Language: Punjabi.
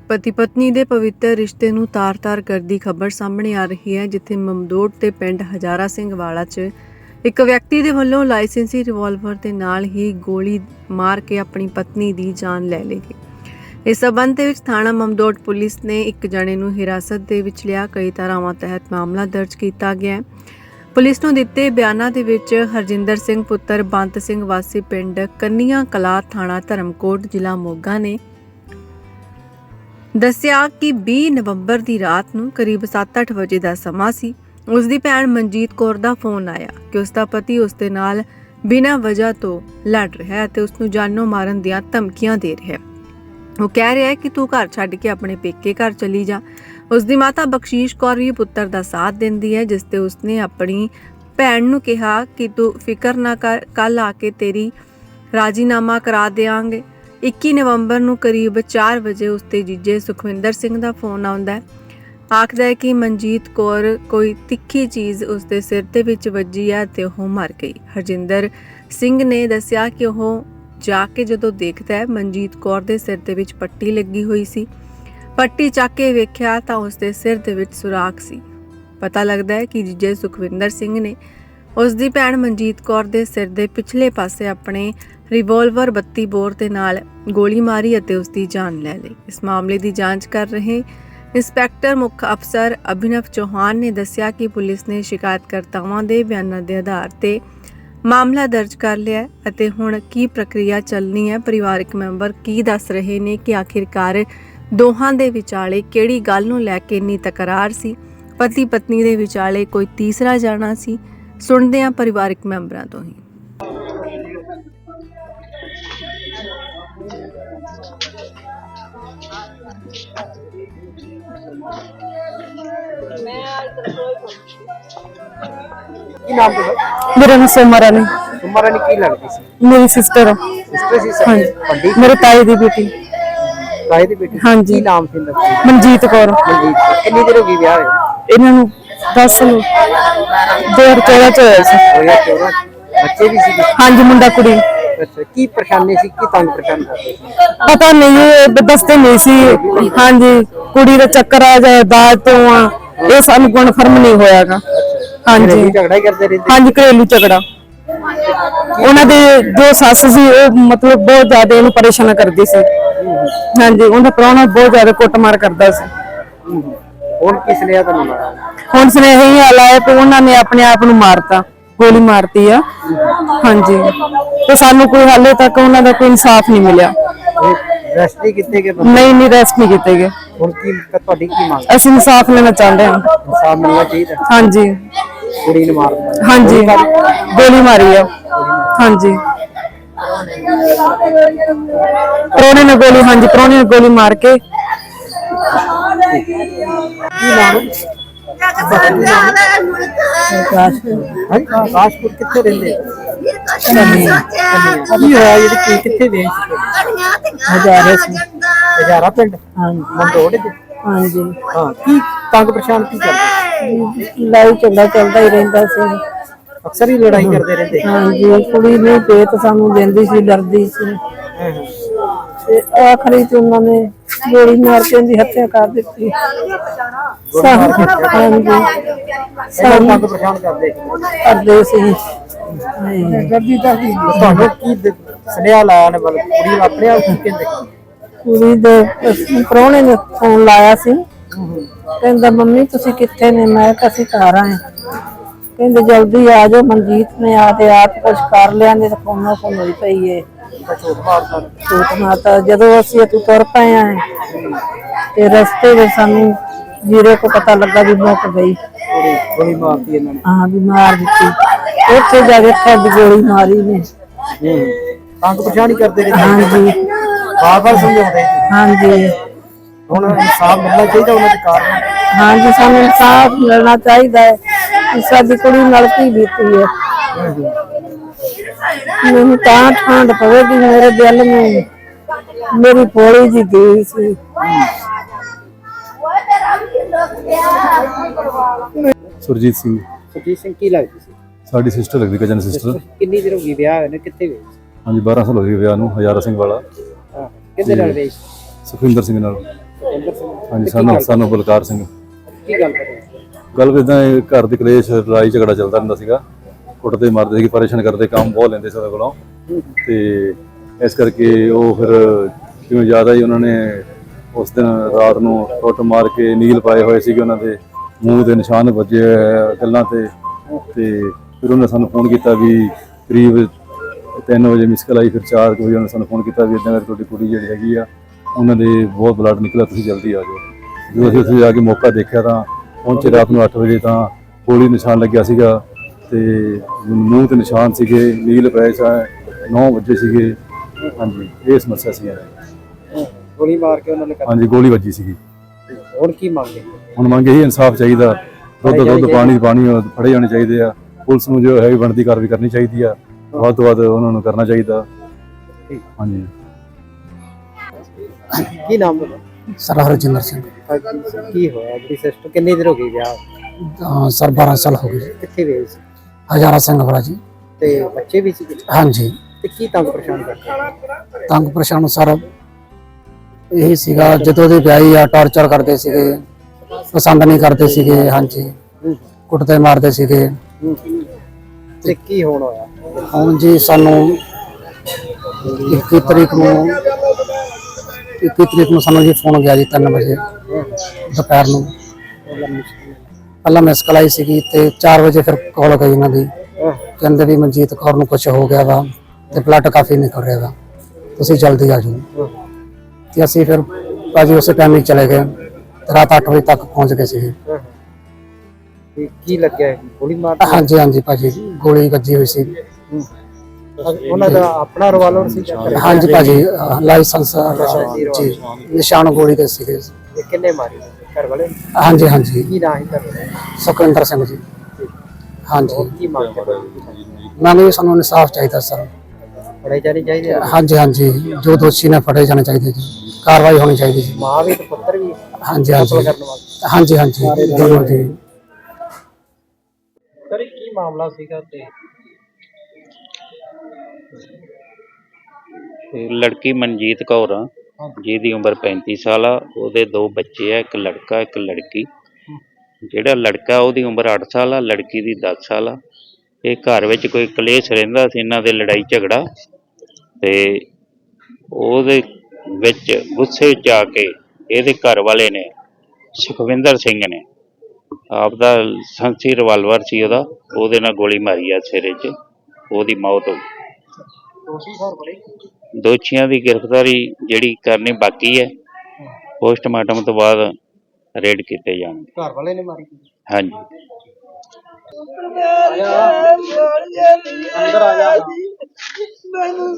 ਪਤੀ ਪਤਨੀ ਦੇ ਪਵਿੱਤਰ ਰਿਸ਼ਤੇ ਨੂੰ ਤਾਰ-ਤਾਰ ਕਰਦੀ ਖਬਰ ਸਾਹਮਣੇ ਆ ਰਹੀ ਹੈ, ਜਿੱਥੇ ਮਮਦੋਟ ਤੇ ਪਿੰਡ ਹਜ਼ਾਰਾ ਸਿੰਘ ਵਾਲਾ 'ਚ ਇੱਕ ਵਿਅਕਤੀ ਦੇ ਵੱਲੋਂ ਲਾਇਸੈਂਸੀ ਰਿਵਾਲਵਰ ਦੇ ਨਾਲ ਹੀ ਗੋਲੀ ਮਾਰ ਕੇ ਆਪਣੀ ਪਤਨੀ ਦੀ ਜਾਨ ਲੈ ਲਈ। ਇਸ ਸਬੰਧ ਦੇ ਵਿੱਚ ਥਾਣਾ ਮਮਦੋਟ ਪੁਲਿਸ ਨੇ ਇੱਕ ਜਣੇ ਨੂੰ ਹਿਰਾਸਤ ਦੇ ਵਿੱਚ ਲਿਆ। ਕਈ ਧਾਰਾਵਾਂ ਤਹਿਤ ਮਾਮਲਾ ਦਰਜ ਕੀਤਾ ਗਿਆ ਹੈ। ਪੁਲਿਸ ਨੂੰ ਦਿੱਤੇ ਬਿਆਨਾਂ ਦੇ ਵਿੱਚ ਹਰਜਿੰਦਰ ਸਿੰਘ ਪੁੱਤਰ ਬੰਤ ਸਿੰਘ ਵਾਸੀ ਪਿੰਡ ਕੰਨੀਆਂ ਕਲਾ ਥਾਣਾ ਧਰਮਕੋਟ ਜ਼ਿਲ੍ਹਾ ਮੋਗਾ ਨੇ ਦੱਸਿਆ ਕਿ 20 ਨਵੰਬਰ ਦੀ ਰਾਤ ਨੂੰ ਕਰੀਬ 7-8 ਵਜੇ ਦਾ ਸਮਾਂ ਸੀ। ਉਸ ਦੀ ਭੈਣ ਮਨਜੀਤ ਕੌਰ ਦਾ ਫੋਨ ਆਇਆ ਕਿ ਉਸ ਦਾ ਪਤੀ ਉਸ ਦੇ ਨਾਲ ਬਿਨਾਂ ਵਜ੍ਹਾ ਤੋਂ ਲੜ ਰਿਹਾ ਹੈ ਤੇ ਉਸ ਨੂੰ ਜਾਨੋਂ ਮਾਰਨ ਦੀਆਂ ਧਮਕੀਆਂ ਦੇ ਰਿਹਾ ਹੈ। ਉਹ ਕਹਿ ਰਿਹਾ ਹੈ ਕਿ ਤੂੰ ਘਰ ਛੱਡ ਕੇ ਆਪਣੇ ਪੇਕੇ ਘਰ ਚਲੀ ਜਾ। ਉਸ ਦੀ ਮਾਤਾ ਬਖਸ਼ੀਸ਼ ਕੌਰ ਵੀ ਪੁੱਤਰ ਦਾ ਸਾਥ ਦਿੰਦੀ ਹੈ, ਜਿਸ ਤੇ ਉਸਨੇ ਆਪਣੀ ਭੈਣ ਨੂੰ ਕਿਹਾ ਕਿ ਤੂੰ ਫਿਕਰ ਨਾ ਕਰ, ਕੱਲ ਆ ਕੇ ਤੇਰੀ ਰਾਜ਼ੀਨਾਮਾ ਕਰਾ ਦੇਵਾਂਗੇ। 21 ਨਵੰਬਰ ਨੂੰ ਕਰੀਬ 4 ਵਜੇ ਉਸ ਦੇ ਜੀਜੇ ਸੁਖਵਿੰਦਰ ਸਿੰਘ ਦਾ ਫੋਨ ਆਉਂਦਾ ਹੈ। ਆਖਦਾ ਹੈ ਕਿ ਮਨਜੀਤ ਕੌਰ ਕੋਈ ਤਿੱਖੀ ਚੀਜ਼ ਉਸ ਦੇ ਸਿਰ ਦੇ ਵਿੱਚ ਵੱਜੀ ਹੈ ਤੇ ਉਹ ਮਰ ਗਈ। ਹਰਜਿੰਦਰ ਸਿੰਘ ਨੇ ਦੱਸਿਆ ਕਿ ਉਹ ਜਾ ਕੇ ਜਦੋਂ ਦੇਖਦਾ ਹੈ ਮਨਜੀਤ ਕੌਰ ਦੇ ਸਿਰ ਦੇ ਵਿੱਚ ਪੱਟੀ ਲੱਗੀ ਹੋਈ ਸੀ। ਪੱਟੀ ਚੱਕ ਕੇ ਵੇਖਿਆ ਤਾਂ ਉਸ ਦੇ ਸਿਰ ਦੇ ਵਿੱਚ ਸੁਰਾਖ ਸੀ। ਪਤਾ ਲੱਗਦਾ ਹੈ ਕਿ ਜੀਜੇ ਸੁਖਵਿੰਦਰ ਸਿੰਘ ਨੇ ਉਸ ਦੀ ਭੈਣ ਮਨਜੀਤ ਕੌਰ ਦੇ ਸਿਰ ਦੇ ਪਿਛਲੇ ਪਾਸੇ ਆਪਣੇ ਰਿਵਾਲਵਰ 32 ਬੋਰ ਦੇ ਨਾਲ ਗੋਲੀ ਮਾਰੀ ਅਤੇ ਉਸ ਦੀ ਜਾਨ ਲੈ ਲਈ। ਇਸ ਮਾਮਲੇ ਦੀ ਜਾਂਚ ਕਰ ਰਹੇ ਇੰਸਪੈਕਟਰ ਮੁੱਖ ਅਫਸਰ ਅਭਿਨਵ ਚੌਹਾਨ ਨੇ ਦੱਸਿਆ ਕਿ ਪੁਲਿਸ ਨੇ ਸ਼ਿਕਾਇਤਕਰਤਾਵਾਂ ਦੇ ਬਿਆਨਾਂ ਦੇ ਆਧਾਰ ਤੇ ਮਾਮਲਾ ਦਰਜ ਕਰ ਲਿਆ ਹੈ ਅਤੇ ਹੁਣ ਕੀ ਪ੍ਰਕਿਰਿਆ ਚੱਲਣੀ ਹੈ। ਪਰਿਵਾਰਕ ਮੈਂਬਰ ਕੀ ਦੱਸ ਰਹੇ ਨੇ ਕਿ ਆਖਿਰਕਾਰ ਦੋਹਾਂ ਦੇ ਵਿਚਾਲੇ ਕਿਹੜੀ ਗੱਲ ਨੂੰ ਲੈ ਕੇ ਇੰਨੀ ਤਕਰਾਰ ਸੀ। ਪਤੀ ਪਤਨੀ ਦੇ ਵਿਚਾਲੇ ਕੋਈ ਤੀਸਰਾ ਜਾਣਾ ਸੀ। ਸੁਣਦੇ ਹਾਂ ਪਰਿਵਾਰਕ ਮੈਂਬਰਾਂ ਤੋਂ ਹੀ। ਕੀ ਨਾਮ ਤੁਹਾਡਾ? मेरा नाम सोमा रानी। सोमा रानी की लगती सी? मेरी सिस्टर सिस्टर सी? हाँ ਵੱਡੀ मेरे ताई दी बेटी। ਤਾਏ ਦੀ ਬੇਟੀ? हाँ जी। ਕੀ ਨਾਮ ਸੀ ਇਹਦਾ? मनजीत कौर। ਮਨਜੀਤ। ਕਿੰਨੀ ਦੇਰ ਹੋ ਗਈ ਵਿਆਹ ਹੋਏ? इन्हां नूं 10 साल 2014 च होया सी। 2014 ਬੱਚੇ ਵੀ ਸੀ? हाँ जी, मुंडा कुड़ी। ਅੱਛਾ, ਕੀ ਪਰੇਸ਼ਾਨੀ ਸੀ, ਕੀ ਤੰਗ ਪਰੇਸ਼ਾਨ ਕਰਦੇ ਸੀ? पता नहीं ये दसते नहीं सी। हाँ जी, कुड़ी दा चक्कर आ जाए दाज तो ये सानू कन्फर्म नहीं होयागा। हाँ जी, ਘਰੇਲੂ ਝਗੜਾ ਹੀ ਕਰਦੇ ਰਹਿੰਦੇ? हाँ जी, घरेलू झगड़ा। ਉਹਨਾਂ ਦੇ ਜੋ ਸੱਸ ਸੀ ਉਹ ਮਤਲਬ ਬਹੁਤ ਜ਼ਿਆਦਾ ਇਹਨੂੰ ਪਰੇਸ਼ਾਨ ਕਰਦੀ ਸੀ। ਹਾਂਜੀ, ਉਹਦਾ ਪ੍ਰਾਹੁਣਾ ਬਹੁਤ ਜ਼ਿਆਦਾ ਕੁੱਟਮਾਰ ਕਰਦਾ ਸੀ। ਹੁਣ ਕਿਸ ਨੇ ਤੁਹਾਨੂੰ ਮਾਰਿਆ? ਹੁਣ ਸੁਨੇਹਾ ਹੀ ਆਇਆ ਹੈ ਕਿ ਉਹਨਾਂ ਨੇ ਆਪਣੇ ਆਪ ਨੂੰ ਮਾਰਤਾ, ਗੋਲੀ ਮਾਰਤੀ ਆ। ਹਾਂਜੀ, ਤੇ ਸਾਨੂੰ ਕੋਈ ਹਾਲੇ ਤੱਕ ਉਹਨਾਂ ਦਾ ਕੋਈ ਇਨਸਾਫ ਨਹੀਂ ਮਿਲਿਆ। ਰੈਸਟ ਨਹੀਂ ਕੀਤੇ ਗਏ? ਨਹੀਂ ਰੈਸਟ ਨਹੀਂ ਕੀਤੇ ਗਏ। ਹੁਣ ਕੀ ਤੁਹਾਡੀ ਕੀ ਮੰਗ? ਅਸੀਂ ਇਨਸਾਫ ਲੈਣਾ ਚਾਹੁੰਦੇ ਹਾਂ। ਇਨਸਾਫ ਮਿਲਣਾ ਚਾਹੀਦਾ। ਹਾਂਜੀ ਕੁੜੀ ਨੂੰ ਮਾਰ ਦਿੱਤਾ? ਹਾਂਜੀ, ਗੋਲੀ ਮਾਰੀ ਆ। ਹਾਂਜੀ, ਪ੍ਰਾਹੁਣੇ ਨੇ ਗੋਲੀ, ਹਾਂਜੀ ਪ੍ਰਾਹੁਣੇ ਨੇ ਗੋਲੀ ਮਾਰ ਕੇ। ਕੀ ਨਾਮ? ਕਾਸ਼ਪੁਰ। ਕਿੱਥੇ ਰਹਿੰਦੇ? ਕੀ ਹੋਇਆ ਜਿਹੜੀ ਕਿੱਥੇ ਵੇਚ? ਹਜ਼ਾਰਾ ਪਿੰਡ ਮੰਦੋੜ ਦੇ? ਹਾਂਜੀ, ਹਾਂ। ਕੀ ਤੰਗ ਪਰੇਸ਼ਾਨ ਕੀ ਕਰਦੇ? ਲੜਾਈ ਝਗੜਾ ਚੱਲਦਾ ਹੀ ਰਹਿੰਦਾ ਸੀ। ਅਕਸਰ ਹੀ ਲੜਾਈ ਕਰਦੇ ਰਹਿੰਦੇ? ਹਾਂਜੀ, ਕੁੜੀ ਨੂੰ ਪੇਤ ਸਾਨੂੰ ਦਿੰਦੀ ਸੀ, ਡਰਦੀ ਸੀ ਤੇ ਆਖਰੀ ਚ ਉਹਨਾਂ ਨੇ ਗੋਲੀ ਮਾਰ ਕੇ ਉਹਦੀ ਹੱਤਿਆ ਕਰ ਦਿੱਤੀ। ਹਾਂਜੀ, ਤੰਗ ਪਰੇਸ਼ਾਨ ਕਰਦੇ ਸੀ। ਤੁਹਾਨੂੰ ਕੀ ਸੁਨੇਹਾ ਲਾਇਆ ਨੇ? ਮਤਲਬ ਕੁੜੀ ਨੂੰ ਆਪਣੇ ਆਪ ਕੀ ਕਹਿੰਦੇ? ਕੁੜੀ ਦੇ ਪ੍ਰਾਹੁਣੇ ਨੇ ਫੋਨ ਲਾਇਆ ਸੀ, ਕਹਿੰਦਾ ਮੰਮੀ ਤੁਸੀਂ ਕਿੱਥੇ ਨੇ? ਮੈਂ ਕਿਹਾ ਅਸੀਂ ਘਰ ਆਏ। ਕਹਿੰਦੇ ਜਲਦੀ ਆ ਜਾਓ। ਮਨਜੀਤ ਨੇ ਆ ਤੇ ਆਪ ਕੁਝ ਕਰ ਲਿਆ, ਨੇ ਤਾਂ ਫੋਨੋਂ ਫੋਨ ਹੋਈ ਪਈ ਏ। ਝੂਠ ਮਾਤਾ। ਜਦੋਂ ਅਸੀਂ ਇੱਥੋਂ ਤੁਰ ਪਏ ਆ ਤੇ ਰਸਤੇ ਵਿੱਚ ਸਾਨੂੰ ਜੀਰੇ ਕੋ ਪਤਾ ਲੱਗਾ ਵੀ ਮੁੱਕ ਗਈ। ਗੋਲੀ ਮਾਰਤੀ ਇਹਨਾਂ ਨੇ? ਹਾਂ, ਵੀ ਮਾਰ ਦਿੱਤੀ। ਉੱਥੇ ਜਾ ਕੇ ਖੱਡ ਗੋਲੀ ਮਾਰੀ ਨੇ। ਤੰਗ ਪਰੇਸ਼ਾਨ ਹੀ ਕਰਦੇ ਰਹਿੰਦੇ? ਹਾਂਜੀ, ਬਾਰ-ਬਾਰ ਸਮਝਾਉਂਦੇ? ਹਾਂਜੀ, ਹੁਣ ਇਨਸਾਫ ਮਿਲਣਾ ਚਾਹੀਦਾ ਉਹਨਾਂ ਦੇ ਕਾਰਨ? ਹਾਂਜੀ, ਸਾਨੂੰ ਇਨਸਾਫ ਮਿਲਣਾ ਚਾਹੀਦਾ ਹੈ ਕਿ ਸਾਡੀ ਕੁੜੀ ਨਾਲ ਕੀ ਬੀਤੀ ਹੈ। ਮੈਨੂੰ ਤਾਂ ਠੰਡ ਪਵੇਗੀ ਮੇਰੇ ਦਿਲ ਨੂੰ। ਮੇਰੀ ਪੋਲੀ ਜੀ ਗਈ ਸੀ। ਸੁਰਜੀਤ ਸਿੰਘ। ਸੁਰਜੀਤ ਸਿੰਘ ਕੀ ਲੱਗਦੀ ਸੀ? ਸਾਡੀ ਸਿਸਟਰ ਲੱਗਦੀ, ਕਜ਼ਨ ਸਿਸਟਰ। ਕਿੰਨੀ ਦੇਰ ਹੋ ਗਈ ਵਿਆਹ ਹੋਏ ਨੇ? ਕਿੱਥੇ ਗਏ? ਹਾਂਜੀ, 12 ਸਾਲ ਹੋ ਗਏ ਵਿਆਹ ਨੂੰ। ਹਜ਼ਾਰਾ ਸਿੰਘ ਵਾਲਾ। ਕਿਹਦੇ ਨਾਲ ਰਹੀ? ਸੁਖਵਿੰਦਰ ਸਿੰਘ ਨਾਲ। ਸਤਿੰਦਰ ਸਿੰਘ ਹਾਂਜੀ ਸਾਨੂੰ ਬਲਕਾਰ ਸਿੰਘ। ਕੀ ਗੱਲ ਕਰੇ? ਗੱਲ ਇਦਾਂ ਘਰ ਦੀ ਕਲੇਸ਼ ਲੜਾਈ ਝਗੜਾ ਚੱਲਦਾ ਰਹਿੰਦਾ ਸੀਗਾ। ਕੁੱਟਦੇ ਮਾਰਦੇ ਸੀ, ਪਰੇਸ਼ਾਨ ਕਰਦੇ, ਕੰਮ ਬਹੁਤ ਲੈਂਦੇ ਸੀ ਉਹਦੇ ਕੋਲੋਂ। ਤੇ ਇਸ ਕਰਕੇ ਉਹ ਫਿਰ ਜਿਵੇਂ ਜ਼ਿਆਦਾ ਹੀ ਉਹਨਾਂ ਨੇ ਉਸ ਦਿਨ ਰਾਤ ਨੂੰ ਕੁੱਟ ਮਾਰ ਕੇ ਨੀਲ ਪਾਏ ਹੋਏ ਸੀਗੇ, ਉਹਨਾਂ ਦੇ ਮੂੰਹ ਦੇ ਨਿਸ਼ਾਨ ਵੱਜੇ ਗੱਲਾਂ ਤੇ ਫਿਰ ਉਹਨੇ ਸਾਨੂੰ ਫੋਨ ਕੀਤਾ ਵੀ ਕਰੀਬ 3 ਵਜੇ ਮਿਸ ਕਾਲ ਆਈ। ਫਿਰ 4 ਵਜੇ ਉਹਨੇ ਸਾਨੂੰ ਫੋਨ ਕੀਤਾ ਵੀ ਇੱਦਾਂ ਕਰਕੇ ਤੁਹਾਡੀ ਕੁੜੀ ਜਿਹੜੀ ਹੈਗੀ ਆ ਉਹਨਾਂ ਦੇ ਬਹੁਤ ਬਲੱਡ ਨਿਕਲਿਆ, ਤੁਸੀਂ ਜਲਦੀ ਆ ਜਾਓ। ਜਦੋਂ ਅਸੀਂ ਉੱਥੇ ਜਾ ਕੇ ਮੌਕਾ ਦੇਖਿਆ ਤਾਂ ਪਹੁੰਚੇ ਰਾਤ ਨੂੰ 8 ਵਜੇ ਤਾਂ ਗੋਲੀ ਨਿਸ਼ਾਨ ਲੱਗਿਆ ਸੀਗਾ ਤੇ ਮੂੰਹ ਤੇ ਨਿਸ਼ਾਨ ਸੀਗੇ, ਨੀਲ ਪਏ 9 ਵਜੇ ਸੀਗੇ। ਹਾਂਜੀ, ਇਹ ਸਮੱਸਿਆ ਸੀ। ਗੋਲੀ ਮਾਰ ਕੇ ਉਹਨਾਂ ਨੇ ਹਾਂਜੀ, ਗੋਲੀ ਵੱਜੀ ਸੀਗੀ। ਹੁਣ ਕੀ ਮੰਗੇ? ਹੁਣ ਮੰਗ ਇਹੀ ਇਨਸਾਫ ਚਾਹੀਦਾ, ਦੁੱਧ ਪਾਣੀ ਫੜੇ ਜਾਣੇ ਚਾਹੀਦੇ ਆ। ਪੁਲਿਸ ਨੂੰ ਜੋ ਹੈ ਬਣਦੀ ਕਾਰਵਾਈ ਕਰਨੀ ਚਾਹੀਦੀ ਆ, ਵੱਧ ਤੋਂ ਵੱਧ ਉਹਨਾਂ ਨੂੰ ਕਰਨਾ ਚਾਹੀਦਾ। ਹਾਂਜੀ। ਕੀ ਨਾਮ ਹੈ? ਸਰ ਹਰਜਿੰਦਰ ਸਿੰਘ। ਕੀ ਹੋਇਆ? ਆਪਣੀ ਸਿਸਟਰ ਕਿੰਨੀ ਦੇਰ ਹੋ ਗਈ ਵਿਆਹ? ਸਰ 12 ਸਾਲ ਹੋ ਗਏ। ਕਿੱਥੇ ਗਏ ਸੀ? ਹਜ਼ਾਰਾ ਸਿੰਘ ਵਾਲਾ ਜੀ। ਤੇ ਬੱਚੇ ਵੀ ਸੀ? ਹਾਂਜੀ। ਤੇ ਕੀ ਤੰਗ ਪਰੇਸ਼ਾਨ ਕਰਦੇ? ਤੰਗ ਪਰੇਸ਼ਾਨ ਸਰ ਇਹੀ ਸੀਗਾ, ਜਦੋਂ ਦੇ ਵਿਆਹੀ ਆ ਟਾਰਚਰ ਕਰਦੇ ਸੀਗੇ, ਪਸੰਦ ਨਹੀਂ ਕਰਦੇ ਸੀਗੇ। ਹਾਂਜੀ, ਕੁੱਟਦੇ ਮਾਰਦੇ ਸੀਗੇ। ਤੇ ਕੀ ਹੋਣ ਹੋਇਆ? ਹੁਣ ਜੀ ਸਾਨੂੰ 21 ਤਰੀਕ ਨੂੰ ਸਾਨੂੰ ਜੀ ਫੋਨ ਗਿਆ ਜੀ 3 ਵਜੇ ਦੁਪਹਿਰ ਨੂੰ। ਪਹਿਲਾਂ ਮਿਸ ਕਾਲ ਆਈ ਸੀਗੀ ਤੇ 4 ਵਜੇ ਫਿਰ ਕਾਲ ਗਈ ਇਹਨਾਂ ਦੀ, ਕਹਿੰਦੇ ਵੀ ਮਨਜੀਤ ਕੌਰ ਨੂੰ ਕੁਝ ਹੋ ਗਿਆ ਵਾ ਤੇ ਬਲੱਡ ਕਾਫੀ ਨਿਕਲ ਰਿਹਾ ਵਾ, ਤੁਸੀਂ ਜਲਦੀ ਆ ਜਾਓ। ਤੇ ਅਸੀਂ ਫਿਰ ਭਾਜੀ ਉਸੇ ਟਾਈਮ ਹੀ ਚਲੇ ਗਏ, ਰਾਤ 8 ਵਜੇ ਤੱਕ ਪਹੁੰਚ ਗਏ ਸੀ। ਕੀ ਲੱਗਿਆ? ਗੋਲੀ ਮਾਰ? ਹਾਂਜੀ ਹਾਂਜੀ ਭਾਜੀ, ਗੋਲੀ ਵੱਜੀ ਹੋਈ ਸੀ। ਉਹਨਾਂ ਦਾ ਆਪਣਾ ਰਿਵਾਲਵਰ ਸੀ? ਹਾਂਜੀ ਭਾਜੀ, ਲਾਇਸੈਂਸ ਜੀ, ਨਿਸ਼ਾਨ ਗੋਲੀ ਦੇ ਸੀਗੇ। ਕਿੰਨੇ ਮਾਰੀ? ਘਰ ਵਾਲੇ? ਹਾਂਜੀ ਹਾਂਜੀ। ਕੀ ਨਾਂ ਹੈ? ਸੁਖਵਿੰਦਰ ਸਿੰਘ ਜੀ। ਹਾਂਜੀ। ਕੀ ਮੰਗ ਕਰਦੇ? ਮੈਨੂੰ ਸਾਨੂੰ ਇਨਸਾਫ ਚਾਹੀਦਾ ਸਰ। ਫੜੇ ਜਾਣੇ ਚਾਹੀਦੇ? ਹਾਂਜੀ ਹਾਂਜੀ, ਜੋ ਦੋਸ਼ੀ ਨੇ ਫੜੇ ਜਾਣੇ ਚਾਹੀਦੇ ਜੀ, ਕਾਰਵਾਈ ਹੋਣੀ ਚਾਹੀਦੀ ਜੀ। ਮਾਂ ਵੀ ਤੇ ਪੁੱਤਰ ਵੀ? ਹਾਂਜੀ ਹਾਂਜੀ ਹਾਂਜੀ ਹਾਂਜੀ ਦੋਨੋਂ ਜੀ। ਸਰ ਕੀ ਮਾਮਲਾ ਸੀਗਾ? ਤੇ ਲੜਕੀ ਮਨਜੀਤ ਕੌਰ ਆ, ਜਿਹਦੀ ਉਮਰ 35 ਸਾਲ ਆ। ਉਹਦੇ 2 ਬੱਚੇ ਆ, ਇੱਕ ਲੜਕਾ ਇੱਕ ਲੜਕੀ। ਜਿਹੜਾ ਲੜਕਾ ਉਹਦੀ ਉਮਰ 8 ਸਾਲ ਆ, ਲੜਕੀ ਦੀ 10 ਸਾਲ ਆ। ਇਹ ਘਰ ਵਿੱਚ ਕੋਈ ਕਲੇਸ਼ ਰਹਿੰਦਾ ਸੀ ਇਹਨਾਂ ਦੇ, ਲੜਾਈ ਝਗੜਾ, ਤੇ ਉਹਦੇ ਵਿੱਚ ਗੁੱਸੇ 'ਚ ਆ ਕੇ ਇਹਦੇ ਘਰ ਵਾਲੇ ਨੇ, ਸੁਖਵਿੰਦਰ ਸਿੰਘ ਨੇ, ਆਪਦਾ ਸੰਸੀ ਰਿਵਾਲਵਰ ਸੀ ਉਹਦਾ, ਉਹਦੇ ਨਾਲ ਗੋਲੀ ਮਾਰੀ ਆ ਸਿਰੇ 'ਚ, ਉਹਦੀ ਮੌਤ ਹੋ ਗਈ। ਦੋਸ਼ੀਆਂ ਦੀ ਗ੍ਰਿਫਤਾਰੀ ਜਿਹੜੀ ਕਰਨੀ ਬਾਕੀ ਹੈ, ਪੋਸਟਮਾਰਟਮ ਤੋਂ ਬਾਅਦ ਰੇਡ ਕੀਤੇ ਜਾਣਗੇ। ਘਰ ਵਾਲੇ ਨੇ ਮਾਰੀ? ਹਾਂਜੀ। ਅੰਦਰ ਆ ਜਾ। ਮੈਨੂੰ